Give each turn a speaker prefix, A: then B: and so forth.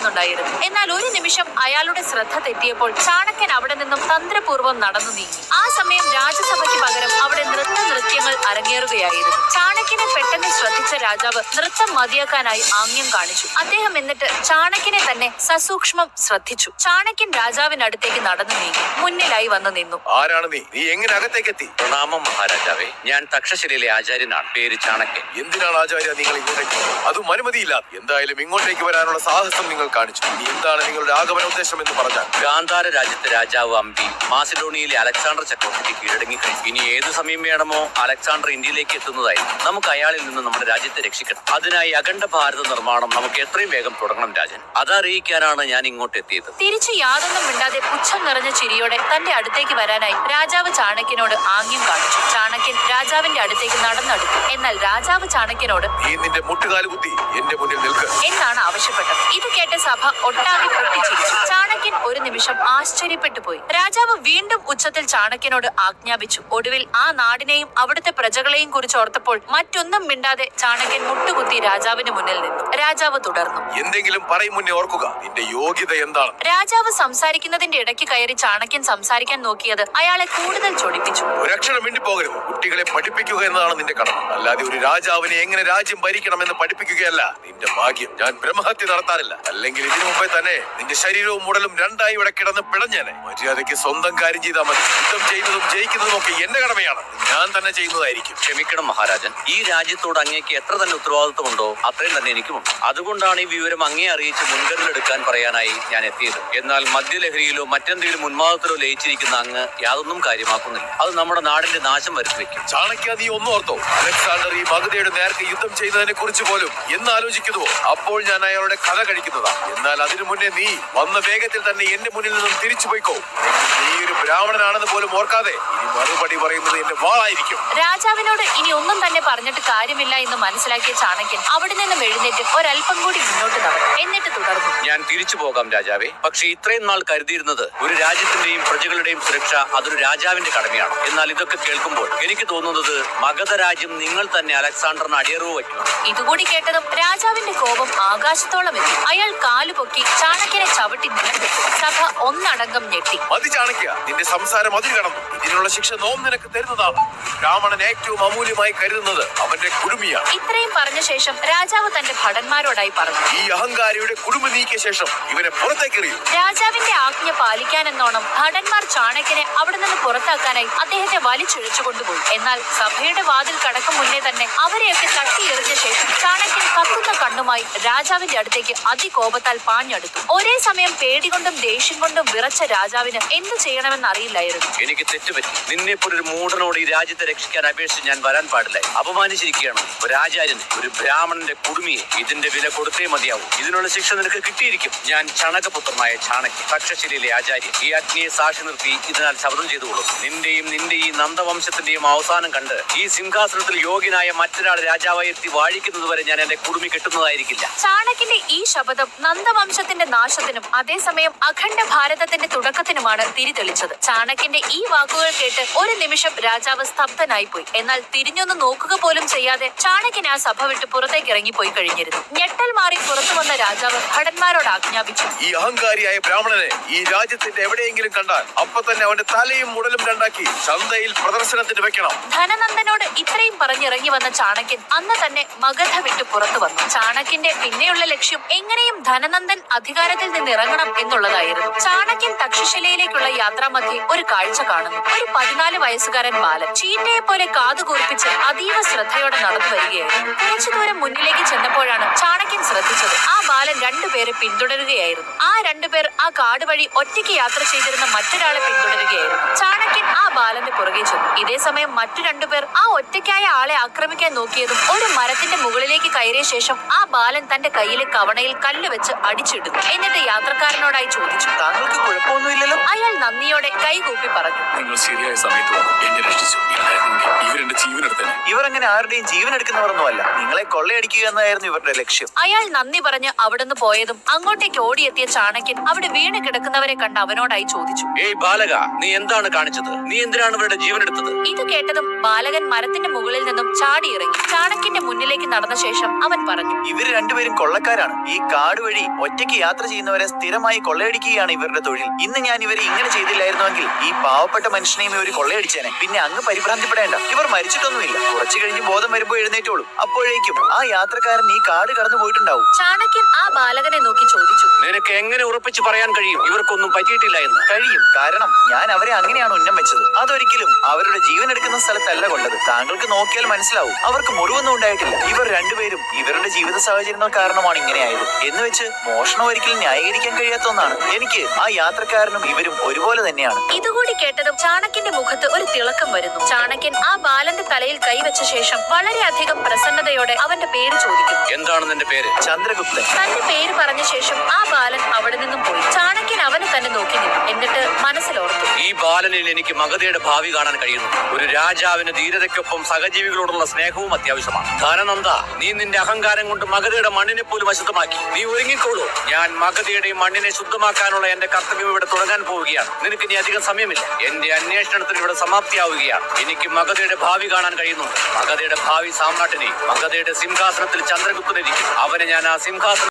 A: കാണുന്നുണ്ടായിരുന്നു. എന്നാൽ ഒരു നിമിഷം അയാളുടെ ശ്രദ്ധ തെറ്റിയപ്പോൾ ചാണക്യൻ അവിടെ നിന്നും തന്ത്രപൂർവ്വം നടന്നു നീങ്ങി. ആ സമയം രാജസഭയ്ക്ക് പകരം അവിടെ നൃത്യങ്ങൾ അരങ്ങേറുകയായിരുന്നു. ചാണക്യനെ പെട്ടെന്ന് ശ്രദ്ധിച്ച രാജാവ് നൃത്തം മതിയാക്കാനായി ആംഗ്യം കാണിച്ചു. അദ്ദേഹം എന്നിട്ട് ചാണക്യനെ തന്നെ സസൂക്ഷ്മം ശ്രദ്ധിച്ചു. ചാണക്യൻ രാജാവിനടുത്തേക്ക് നടന്നു നീങ്ങി മുന്നിലായി വന്നു നിന്നു.
B: ആരാണ് നീ? നീ എങ്ങനെ അകത്തേക്ക് എത്തി?
C: പ്രണാമം മഹാരാജാവേ, ഞാൻ തക്ഷശിലയിലെ ആചാര്യനാണ്. പേര് ചാണക്യൻ.
B: എന്തിനാണ് ആചാര്യ നിങ്ങൾ ഇങ്ങോട്ടേക്ക്? അതും അനുമതിയില്ല. എന്തായാലും ഇങ്ങോട്ടേക്ക് വരാനുള്ള സാഹസം നിങ്ങൾ കാണിച്ചു. ഇനി എന്താണ് നിങ്ങളുടെ ആഗമന ഉദ്ദേശം എന്ന് പറഞ്ഞാൽ?
C: ഗാന്ധാര രാജ്യത്തെ രാജാവ് അമ്പി മാസിഡോണിയയിലെ അലക്സാണ്ടർ ചക്രവർത്തിക്ക് കീഴടങ്ങിക്കഴിഞ്ഞു. ഇനി ഏത് സമയം വേണമോ അലക്സാണ്ടർ ഇന്ത്യയിലേക്ക് എത്തുന്നതായിരുന്നു. നമുക്ക് അയാളിൽ നിന്ന് നമ്മുടെ രാജ്യത്തെ രക്ഷിക്കണം. അതിനായി അഖണ്ഡ ഭാരത നിർമ്മാണം നമുക്ക് എത്രയും വേഗം തുടങ്ങണം രാജൻ. അതറിയിക്കാനാണ് ഞാൻ ഇങ്ങോട്ട് എത്തിയത്.
A: തിരിച്ചു യാതൊന്നും മിണ്ടാതെ പുച്ഛം നിറഞ്ഞ ചിരിയോടെ തന്റെ അടുത്തേക്ക് വരാനായി രാജാവ് ചാണക്യനോട് ആംഗ്യം കാണിച്ചു. ചാണക്യൻ രാജാവിന്റെ അടുത്തേക്ക് നടന്നെടുത്തു. എന്നാൽ രാജാവ് ചാണക്യനോട്
B: നീ നിന്റെ മുട്ടുകാല് കുത്തി എന്റെ മുന്നിൽ നിൽക്ക്
A: എന്നാണ് ആവശ്യപ്പെട്ടത്. ഇത് കേട്ട സഭ ഒട്ടാകെ പൊട്ടിച്ചിരിച്ചു. ചാണക്യൻ ഒരു നിമിഷം ആശ്ചര്യപ്പെട്ടു പോയി. രാജാവ് വീണ്ടും ഉച്ചത്തിൽ ചാണക്യനോട് ആജ്ഞാപിച്ചു. ഒടുവിൽ ആ നാടിനെയും അവിടുത്തെ പ്രജകളെയും കുറിച്ച് ഓർത്തപ്പോൾ മറ്റൊന്നും മിണ്ടാതെ ചാണക്യൻ മുട്ടുകുത്തി രാജാവിന് മുന്നിൽ നിന്നു. രാജാവ് തുടർന്നു.
B: എന്തെങ്കിലും പറയും മുന്നേ ഓർക്കുക, നിന്റെ യോഗ്യത എന്താണ്?
A: രാജാവ് സംസാരിക്കുന്നതിന്റെ ഇടയ്ക്ക് കയറി ചാണക്യൻ സംസാരിക്കാൻ നോക്കിയത് അയാളെ കൂടുതൽ ചൊടിപ്പിച്ചു.
B: ഒരക്ഷരം വേണ്ടി പോകരുത്. കുട്ടികളെ പഠിപ്പിക്കുക എന്നതാണ് നിന്റെ കടമ. അല്ലാതെ ഒരു രാജാവിനെ എങ്ങനെ രാജ്യം ഭരിക്കണമെന്ന് പഠിപ്പിക്കുകയല്ല നിന്റെ ഭാഗ്യം. ഞാൻ ബ്രഹ്മഹത്യ നടത്താറില്ല. അല്ലെങ്കിൽ ഇതിനു മുമ്പേ തന്നെ നിന്റെ ശരീരവും ഉടലും രണ്ടായി ഇവിടെ കിടന്ന് പിടഞ്ഞേനെ. മര്യാദയ്ക്ക് സ്വന്തം കാര്യം ചെയ്താൽ മതി. യുദ്ധം ചെയ്യുന്നതും ജയിക്കുന്നതും ഒക്കെ എന്റെ കടമയാണ്. ഞാൻ തന്നെ ചെയ്യുന്നതായിരിക്കും.
C: ക്ഷമിക്കണം മഹാരാജൻ, ഈ രാജ്യത്തോട് അങ്ങേക്ക് എത്ര തന്നെ ഉത്തരവാദിത്വമുണ്ടോ അത്രയും തന്നെ എനിക്കുമുണ്ട്. അതുകൊണ്ടാണ് ഈ വിവരം അങ്ങേ അറിയിച്ച് മുൻകരുതലെടുക്കാൻ പറയാനായി ഞാൻ എത്തിയത്. എന്നാൽ മദ്യലഹരിയിലോ മറ്റെന്തെങ്കിലും ഉന്മാദത്തിലോ ലയിച്ചിരിക്കുന്ന അങ്ങ് യാതൊന്നും കാര്യമാക്കുന്നില്ല. അത് നമ്മുടെ നാടിന്റെ നാശം വരുത്തിവെക്കും.
B: ചാണക്യ, നീ ഒന്നും ഓർത്തോ? അലക്സാണ്ടർ ഈ മഗധയുടെ നേർക്ക് യുദ്ധം ചെയ്യുന്നതിനെ കുറിച്ച് പോലും എന്ന് ആലോചിക്കുന്നുവോ? അപ്പോൾ ഞാൻ അയാളുടെ കഥ കഴിക്കുന്നതാ. എന്നാൽ അതിനു മുന്നേ നീ വന്ന വേഗത്തിൽ തന്നെ എന്റെ മുന്നിൽ നിന്നും തിരിച്ചു പോയിക്കോ. നീ ഒരു ബ്രാഹ്മണനാണെന്ന് പോലും ഓർക്കാതെ ഇനി മറുപടി പറയുന്നത് എന്റെ വാളായിരിക്കും.
A: രാജാവിനോട് ഇനി ഒന്നും തന്നെ പറഞ്ഞിട്ട് കാര്യമില്ല എന്ന് മനസ്സിലാക്കിയ ചാണക്യൻ അവിടെ നിന്നും എഴുന്നേറ്റ് ഒരൽപ്പം കൂടി മുന്നോട്ട് നടന്നു. എന്നിട്ട് തുടർന്നു.
C: ഞാൻ തിരിച്ചു പോകാം രാജാവേ. പക്ഷെ ഇത്രയും നാൾ കരുതിയിരുന്നത് ഒരു രാജ്യത്തിന്റെയും പ്രജകളുടെയും സുരക്ഷ അതൊരു രാജാവിന്റെ കടമയാണ്. എന്നാൽ ഇതൊക്കെ കേൾക്കുമ്പോൾ എനിക്ക് തോന്നുന്നത് മഗധ രാജ്യം നിങ്ങൾ തന്നെ അലക്സാണ്ടറിന് അടിയറവ് വയ്ക്കണം.
A: ഇതുകൂടി കേട്ടതും രാജാവിന്റെ കോപം ആകാശത്തോളം എത്തി. അയാൾ കാലുപൊക്കി ചാണക്യനെ ചവിട്ടി നിലത്തിട്ടു. സഭ ഒന്നടങ്കം ഞെട്ടി.
B: മതി ചാണക്യ, നിന്റെ സംസാരം അതിൽ കടന്നു. ഇതിനുള്ള ശിക്ഷ നോം നിനക്ക് തരുന്നതാണ്. ബ്രാഹ്മണൻ ഏറ്റവും അമൂല്യമായി കരുതുന്നത് അവന്റെ കുടുമിയാണ്.
A: ഇത്രയും പറഞ്ഞ ശേഷം രാജാവ് തന്റെ ഭടന്മാരോടായി പറഞ്ഞു.
B: ഈ അഹങ്കാരിയുടെ കുടുംബ നീക്കിയ ശേഷം ഇവനെ പുറത്തേക്കെറിയൂ.
A: രാജാവിന്റെ ആജ്ഞ പാലിക്കാനെന്നോണം ഭടന്മാർ ചാണക്യനെ അവിടെ നിന്ന് പുറത്താക്കാനായി അദ്ദേഹത്തെ വലിച്ചിഴച്ചു കൊണ്ടുപോയി. എന്നാൽ സഭയുടെ വാതിൽ കടക്കും മുന്നേ തന്നെ അവരെയൊക്കെ തട്ടിയെറിഞ്ഞ ശേഷം ചാണക്യൻ കത്തുന്ന കണ്ണുമായി രാജാവിന്റെ അടുത്തേക്ക് അതികോപത്താൽ പാഞ്ഞടുത്തു. ഒരേ സമയം പേടികൊണ്ടും ദേഷ്യം കൊണ്ടും വിറച്ച രാജാവിന് എന്തു ചെയ്യണമെന്ന് അറിയില്ലായിരുന്നു.
C: എനിക്ക് തെറ്റുപറ്റി. നിന്നെപ്പോലൊരു മൂഢനോട് ഈ രാജ്യത്തെ രക്ഷിക്കാൻ അപേക്ഷിച്ച് ഞാൻ വരാൻ പാടില്ല. അപമാനിച്ചിരിക്കുകയാണ് ഒരു ആചാര്യനെ, ഒരു ബ്രാഹ്മണന്റെ കുടുമിയെ. ഇതിന്റെ വില കൊടുത്തേ മതിയാവും. ഇതിനുള്ള ശിക്ഷ നിനക്ക് കിട്ടിയിരിക്കും. ഞാൻ ചണകപുത്രനായ ചാണക്യൻ, തക്ഷശിലയിലെ ആചാര്യൻ. ഈ അഗ്നിയെ സാക്ഷി നിർത്തി ഇതിനാൽ ശബ്ദം ചെയ്തുകൊള്ളും. നിന്റെ ഈ നന്ദവംശത്തിന്റെയും അവസാനം കണ്ട് ഈ സിംഹാസനത്തിൽ യോഗ്യനായ മറ്റൊരാൾ രാജാവായി എത്തി വാഴിക്കുന്നത് വരെ ഞാൻ എന്റെ കുടുമി കെട്ടുന്നതായിരിക്കില്ല.
A: ചാണക്യന്റെ ഈ ശപഥം നന്ദവംശത്തിന്റെ നാശത്തിനും അതേസമയം അഖണ്ഡ ഭാരതത്തിന്റെ തുടക്കത്തിനുമാണ് തിരിതെളിച്ചത്. ചാണക്യന്റെ ഈ വാക്കുകൾ കേട്ട് ഒരു നിമിഷം രാജാവ് സ്തബ്ധനായി പോയി. എന്നാൽ തിരിഞ്ഞൊന്ന് നോക്കുക പോലും ചെയ്യാതെ ചാണക്യൻ ആ സഭ വിട്ട് പുറത്തേക്ക് ഇറങ്ങിപ്പോയി കഴിഞ്ഞിരുന്നു. ഞെട്ടൽ മാറി പുറത്തു വന്ന രാജാവ് ഭടന്മാരോട് ആജ്ഞാപിച്ചു.
B: ഈ അഹങ്കാരിയായ ബ്രാഹ്മണനെ ഈ രാജ്യത്തിന്റെ എവിടെയെങ്കിലും കണ്ടാൽ അപ്പൊ തന്നെ അവന്റെ തലയും മുടലും രണ്ടാക്കി ചന്തയിൽ പ്രദർശനത്തിന് വെക്കണം.
A: ധനനന്ദനോട് ഇത്രയും പറഞ്ഞിറങ്ങി വന്ന ചാണക്യൻ അന്ന് തന്നെ മഗധ വിട്ട് പുറത്തു വന്നു. ചാണക്യന്റെ പിന്നെയുള്ള ലക്ഷ്യം എങ്ങനെയും ധനനന്ദൻ അധികാരത്തിൽ നിന്ന് ഇറങ്ങണം എന്നുള്ളതായിരുന്നു. ചാണക്യൻ തക്ഷശിലയിലേക്കുള്ള യാത്രാമധ്യേ ഒരു കാഴ്ച കാണുന്നു. ഒരു 14 വയസ്സുകാരൻ ബാലൻ ചീറ്റയെ പോലെ കാതുകൂർപ്പിച്ച് അതീവ ശ്രദ്ധയോടെ നടന്നു വരികയായിരുന്നു. കുറച്ചു ദൂരം മുന്നിലേക്ക് ചെന്നപ്പോഴാണ് ചാണക്യൻ ശ്രദ്ധിച്ചത്. ആ ബാലൻ രണ്ടുപേരെ പിന്തുടരുകയായിരുന്നു. ആ രണ്ടുപേർ ആ കാട് വഴി ഒറ്റയ്ക്ക് യാത്ര ചെയ്തിരുന്ന മറ്റൊരാളെ പിന്തുടരുകയായിരുന്നു. ചാണക്യൻ ആ ബാലന്റെ പുറകെ ചെന്നു. ഇതേ സമയം മറ്റു രണ്ടുപേർ ആ ഒറ്റയ്ക്കായ ആളെ ആക്രമിക്കാൻ നോക്കിയതും ഒരു മരത്തിന്റെ മുകളിലേക്ക് കയറിയ ശേഷം ആ ബാലൻ തന്റെ കയ്യിലെ കവണയിൽ കല്ല് വെച്ച് അടിച്ചിടുന്നു. എന്നിട്ട് യാത്രക്കാരനോടായി ചോദിച്ചു,
C: താങ്കൾക്ക് കുഴപ്പമൊന്നുമില്ലല്ലോ?
A: അയാൾ നന്ദിയോടെ കൈകൂപ്പി പറഞ്ഞു,
D: നിങ്ങൾ ശരിയായ സമയത്ത് വന്നു എന്നെ രക്ഷിച്ചു. ഇവരെന്റെ ജീവനെടുത്തന്നെ.
E: ഇവർ അങ്ങനെ ആരുടെയും ജീവൻ എടുക്കുന്നവരൊന്നുമല്ല. നിങ്ങളെ കൊള്ളയടിക്കുക എന്നായിരുന്നു ഇവരുടെ ലക്ഷ്യം.
A: അയാൾ നന്ദി പറഞ്ഞ് അവിടുന്ന് പോയതും അങ്ങോട്ടേക്ക് ഓടിയെത്തിയ ചാണക്യൻ അവിടെ വീണ് കിടക്കുന്നവരെ കണ്ട് അവനോടായി ചോദിച്ചു,
C: ഏയ് ബാലക, നീ എന്താണ് കാണിച്ചത്? നീ എന്തിനാണ് ഇവരുടെ ജീവൻ എടുത്തത്?
A: ഇത് കേട്ടതും ബാലകൻ മരത്തിന്റെ മുകളിൽ നിന്നും ചാടിയിറങ്ങി ചാണക്യന്റെ മുന്നിലേക്ക് നടന്ന ശേഷം അവൻ പറഞ്ഞു,
E: ഇവര് രണ്ടുപേരും കൊള്ളക്കാരാണ്. ഈ കാട് വഴി ഒറ്റയ്ക്ക് യാത്ര ചെയ്യുന്നവരെ സ്ഥിരമായി കൊള്ളയടിക്കുകയാണ് ഇവരുടെ തൊഴിൽ. ഇന്ന് ഞാൻ ഇവരെ ഇങ്ങനെ ചെയ്തില്ലായിരുന്നുവെങ്കിൽ ഈ പാവപ്പെട്ട മനുഷ്യനെയും ഇവർ കൊള്ളയടിച്ചേനെ. പിന്നെ അങ്ങ് പരിഭ്രാന്തിപ്പെടേണ്ട, ഇവർ മരിച്ചിട്ടൊന്നുമില്ല. കുറച്ചു കഴിഞ്ഞ് ബോധം വരുമ്പോ എഴുന്നേറ്റോളൂ. അപ്പോഴേക്കും ആ യാത്രക്കാരൻ ഈ കാട് കടന്നു പോയിട്ടുണ്ടാവും.
A: ചാണക്യൻ ആ ബാലകനെ നോക്കി ചോദിച്ചു,
C: നിനക്ക് എങ്ങനെ ഉറപ്പിച്ച് പറയാൻ കഴിയും ഇവർക്കൊന്നും പറ്റിയിട്ടില്ല എന്ന്?
E: കഴിയും, കാരണം ഞാൻ അവരെ അങ്ങനെയാണ് ഉന്നം വെച്ചത്. അതൊരിക്കലും അവരുടെ ജീവൻ എടുക്കുന്ന സ്ഥലത്തല്ല കൊണ്ടത്. താങ്കൾക്ക് നോക്കിയാൽ മനസ്സിലാവും, അവർക്ക് മുറിവൊന്നും ഉണ്ടായിട്ടില്ല. ഇവർ രണ്ടുപേരും ഇവരുടെ ജീവിത സാഹചര്യങ്ങൾ കാരണമാണ് ഇങ്ങനെയായത്. എന്ന് വെച്ച് മോഷണം ഒരിക്കലും ന്യായീകരിക്കാൻ കഴിയാത്ത ഒന്നാണ്. എനിക്ക് ആ യാത്രക്കാരനും ഇവരും ഒരുപോലെ തന്നെയാണ്.
A: ഇതുകൂടി കേട്ടതും ചാണക്യന്റെ മുഖത്ത് ഒരു തിളക്കം വരുന്നു. ചാണക്യൻ ആ ബാലന്റെ തലയിൽ കൈവച്ച ശേഷം വളരെയധികം പ്രസന്നതയോടെ അവന്റെ പേര് ചോദിക്കുന്നു.
C: എന്താണ് നിന്റെ പേര്?
E: ചന്ദ്രഗുപ്തൻ.
A: തന്റെ പേര് പറഞ്ഞ ശേഷം ആ ബാലൻ അവിടെ നിന്നും പോയി. ചാണക്യൻ അവനെ തന്നെ നോക്കി നിന്നു. എന്നിട്ട് മനസ്സിലോർത്തു,
C: ഈ ബാലനിൽ എനിക്ക് മഗധയുടെ ഭാവി കാണാൻ കഴിയുന്നു. ഒരു രാജാവിന് ധീരതയ്ക്കൊപ്പം സഹജീവികളോടുള്ള സ്നേഹവും അത്യാവശ്യമാണ്. ധനനന്ദ, നീ നിന്റെ അഹങ്കാരം കൊണ്ട് മഗധയുടെ മണ്ണിനെ പോലും അശുദ്ധമാക്കി. നീ ഒരുങ്ങിക്കോളൂ. ഞാൻ മഗധയുടെ മണ്ണിനെ ശുദ്ധമാക്കാനുള്ള എന്റെ കർത്തവ്യം ഇവിടെ തുടങ്ങാൻ പോവുകയാണ്. നിനക്ക് ഇനി അധികം സമയമില്ല. എന്റെ അന്വേഷണത്തിന് ഇവിടെ സമാപ്തിയാവുകയാണ്. എനിക്ക് മഗധയുടെ ഭാവി കാണാൻ കഴിയുന്നുണ്ട്. മഗധയുടെ ഭാവി സാമ്രാട്ടിനെ, മഗധയുടെ സിംഹാസനത്തിൽ ചന്ദ്രഗുപ്തനിരിക്കും. അവനെ ഞാൻ ആ സിംഹാസനം